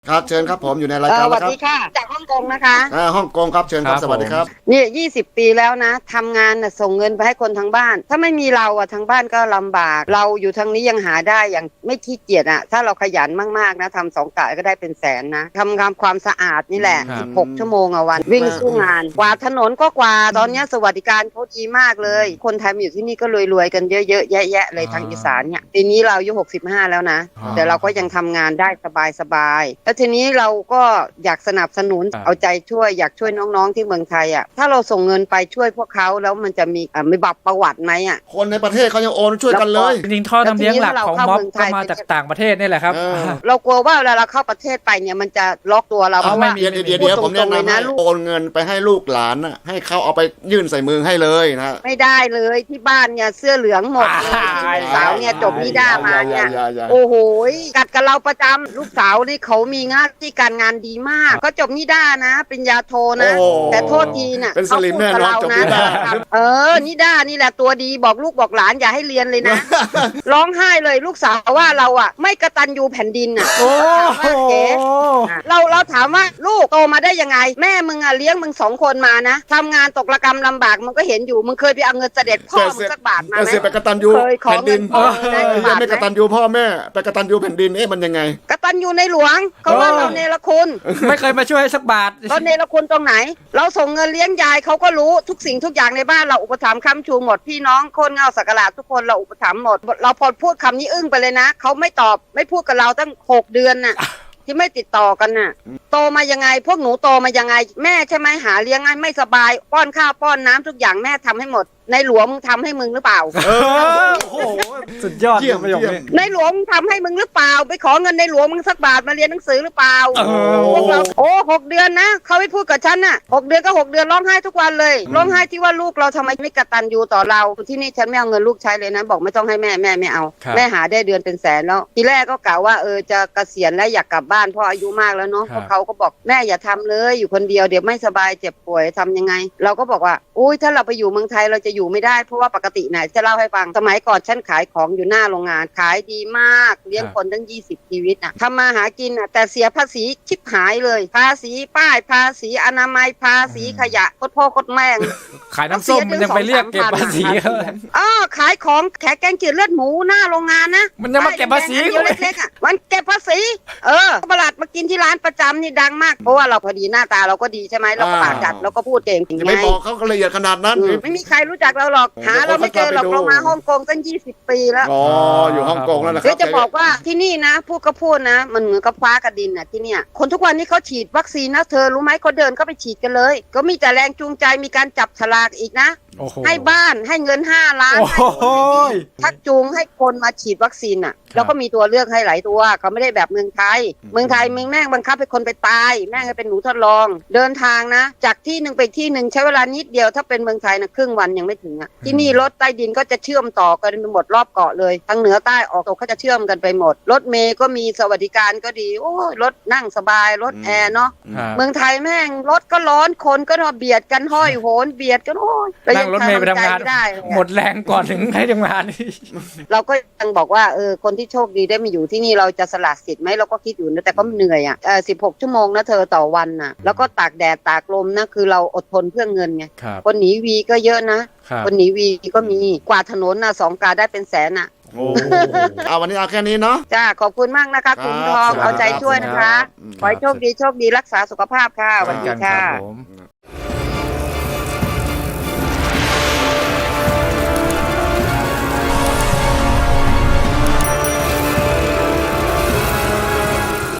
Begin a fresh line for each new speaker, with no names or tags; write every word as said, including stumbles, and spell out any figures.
ครับเชิญครับผมอยู่ในราย
เอ
การ
อส
แล้
วั
ว
ส
ครับ
ดีค่ะ จากฮ่องกงนะคะ
อ่าฮ่องกงครับเชิญครับ
ครับ
สวัสดีครับ
นี่ยี่สิบปีแล้วนะทำงานน่ะส่งเงินไปให้คนทางบ้าน ถ้าไม่มีเราอะทางบ้านก็ลำบาก เราอยู่ทางนี้ยังหาได้อย่างไม่ขี้เกียจอะถ้าเราขยันมากๆนะทำสองกะก็ได้เป็นแสนนะทำงานความสะอาดนี่แหละ
ครับ
สิบหกชั่วโมงอะวัน วิ่งสู้งาน กวาดถนนก็กวาดตอนนี้สวัสดิการเขาดีมากเลย คนไทยมาอยู่ที่นี่ก็รวยๆกันเยอะๆแยะๆเลยทางอีสานเนี่ยปีนี้เราอายุหกสิบห้าแล้วนะ
อ๋อ
แต่เราก็ยังทำงานได้สบายๆแล้วทีนี้เราก็อยากสนับสนุน
ครับ
เอาใจช่วยอยากช่วยน้องๆที่เมืองไทยอ่ะถ้าเราส่งเงินไปช่วยพวกเขาแล้วมันจะมีอ่ะมีบัตรประวัติไหมอ่ะ
คนในประเทศเขายังโอนช่วยกันเลย
จริงๆท่อน้ำเลี้ยงหลักของม็อบก็มาจากต่างประเทศนี่แหละครับ
เออ
เรากลัวว่าเวลาเราเข้าประเทศไปเนี่ยมันจะล็อกตัวเราเพ
เอา
ราะ
ไม่
ว่า
มีเดี๋ยวเดี๋ยวเดี๋ยวผมแนะ
พูดตรงๆเลย
นำ
นะ
ให้
ลูก
โอนเงินไปให้ลูกหลานน่ะให้เขาเอาไปยื่นใส่มือให้เลยนะ
ไม่ได้เลยที่บ้านเนี่ยเสื้อเหลืองหมดเลย
อ่า
ลูกสาวเนี่ยจบนิด้ามาเนี่ย
อย่าอย่าอย่า
โอ้โหกัดกับเราประจำลูกสาวนี่เขามีงานที่การงานดีมากก็จบนิด้านะปริญญาโทนะ
โอ้
แต่โทษทีน่ะ
เป็นสลิมแน่นอนจบนิด้า
เออนิด้านี่แหละตัวดีบอกลูกบอกหลานอย่าให้เรียนเลยนะ ร้องไห้เลยลูกสาวว่าเราอ่ะ ไม่กตัญญูแผ่นดินอ่ะ
โอ้
ถามว่าเจ๊เราเราถามว่าลูกโตมาได้ยังไง แม่มึงอ่ะเลี้ยงมึงสองคนมานะทำงานตกระกำลำบากมึงก็เห็นอยู่มึงเคยไปเอาเงินเสด็จพ่อมึงสักบาทมา
แต่
ไหม
เสียไปกตัญญู
เคยขอ
แผ่นดิน
เงินพ่อได้
เออ
กี่บาท
ไม่กตัญญูพ่อแม่ไปกตัญญูแผ่นดินเอ๊ะมันยังไง
กตัญญูในหลวงเขาว่า
เออ
เราเนรคุณ
ไม่เคยมาช่วยสักบาท
เราเนรคุณตรงไหน เราส่งเงินเลี้ยงยายเขาก็รู้ทุกสิ่งทุกอย่างในบ้านเราอุปถัมภ์ค้ำชูหมดพี่น้องคนเงาสักการะทุกคนเราอุปถัมภ์หมด เราพอพูดคำนี้อึ้งไปเลยนะเขาไม่ตอบไม่พูดกับเราตั้งหกเดือนน่ะ ที่ไม่ติดต่อกันน่ะ โตมายังไง พวกหนูโตมายังไง แม่ใช่ไหมหาเลี้ยงง่ายไม่สบาย ป้อนข้าวป้อนน้ำทุกอย่างแม่ทำให้หมด ในหลวงมึงทำให้มึงหรือเปล่า
เออโอ้โหสุดยอด
เยี่ยม
ประโยค
เยี่ย
นี้
ม
ในหลวงมึงทำให้มึงหรือเปล่า ไปขอเงินในหลวงมึงสักบาทมาเรียนหนังสือหรือเปล่า
เออ
พวกเราโอ้หกเดือนนะเขาไม่พูดกับฉันน่ะหกเดือนก็หกเดือนร้องไห้ทุกวันเลยร้องไห้ที่ว่าลูกเราทำไมไม่กตัญญูต่อเราที่นี่ฉันไม่เอาเงินลูกใช้เลยนะบอกไม่ต้องให้แม่แม่ไม่เอา
ครับ
แม่หาได้เดือนเป็นแสนแล้วทีแรกก็กล่าวว่าเออจะเกษียณแล้วอยากกลับบ้านเพราะอายุมากแล้วเนาะ
ครับ
เขาก็บอกแม่อย่าทำเลยอยู่คนเดียวเดี๋ยวไม่สบายเจ็บป่วยทำยังไง เราก็บอกว่าอุ้ยถ้าเราไปอยู่เมืองไทยเราจะอยู่ไม่ได้เพราะว่าปกติไหนจะเล่าให้ฟังสมัยก่อนฉันขายของอยู่หน้าโรงงานขายดีมากเลี้ยงคนตั้งยี่สิบชีวิตน่ะทำมาหากินน่ะแต่เสียภาษีชิบหายเลย ภาษีป้ายภาษีอนามัยภาษีขยะโคตรพ่อโคตรแม่ง
ขายน้ำส้มมันยังไปเรียกเก็บภาษีเขาเลย
อ้อขายของแขกแกงจืดเลือดหมูหน้าโรงงานนะ
มันยังมาเก็บภาษี
ป้ยแดงๆอันเดียวเล็กๆอ่ะมันเก็บภาษีเออประหลัดมากินที่ร้านประจำนี่ดังมากเพราะว่าเราพอดีหน้าตาเราก็ดีใช่ไหมเราก็ปากจัดเราก็พูดเก่ง
จะไม่บอกเขาก็ละเอียดขนาดนั้น
อืมไม่มีใครรู้จักเราหรอกหาเราไม่เจอหรอกเรามาฮ่องกงตั้งยี่สิบปีแล้ว
อ๋ออยู่ฮ่องกงแล้วนะค
เดี๋
รั
ยวจะบอกว่าที่นี่นะพูดก็พูดนะ มันเหมือนกับฟ้ากับดินน่ะที่เนี่ยคนทุกวันนี้เขาฉีดวัคซีนนะเธอรู้ไหมเขาเดินเข้าไปฉีดกันเลย ก็มีแต่แรงจูงใจมีการจับฉลากอีกนะ
โอ้โห
ให้บ้านให้เงินห้าล้าน
โอ้โห
ให้ชักจูงให้คนมาฉีดวัคซีนอ่ะ
ครับ
แล้วก็มีตัวเลือกให้หลายตัวเขาไม่ได้แบบเมืองไทย เมืองไทยเมืองแม่งบังคับให้คนไปตายแม่งให้เป็นหนูทดลอง เดินทางนะ จากที่หนึ่งไปที่หนึ่งใช้เวลานิดเดียวถ้าเป็นเมืองไทยนะครึ่งวันยังไม่ถึงอ่ะที่นี่รถใต้ดินก็จะเชื่อมต่อกันไปหมดรอบเกาะเลยทั้งเหนือใต้ออกตกเขาจะเชื่อมกันไปหมด รถเมย์ก็มีสวัสดิการก็ดีโอ้ยรถนั่งสบายรถแอร์เนาะ
ครับ
เมืองไทยแม่งรถก็ร้อนคนก็นอเบียดกันห้อยโหนเบียดกันโอ้ยแล้ว
นั่งรถเมย์ไปทำงาน
ใจไม่ได้เลย
หม
อะ
ดแรงก่อนถึงให้ทำงานนี่
เราก็ยังบอกว่าเออคนที่โชคดีได้มาอยู่ที่นี่เราจะสละสิทธิ์ไหมเราก็คิดอยู่นะแต่ก็เหนื่อยอ่ะเออสิบหกชั่วโมงนะเธอต่อวันน่ะแล้วก็ตากแดดตากลมนะคือเราอดทนเพื่อเงินไง
ครับ
คนหนีวีก็เยอะนะครับ คนหนีวีก็มีกวาดถนนนะสองกาได้เป็นแสนอ่ะ
โอ้เอาวันนี้เอาแค่นี้เนาะ
จ้าขอบคุณมากนะคะคุณทอง
ครับ
เอาใจช่วยนะคะ
อืม
ขอให้โชคดีโชคดีรักษาสุขภาพค่ะสวัสดี
กันค
ค่ะ
รับผม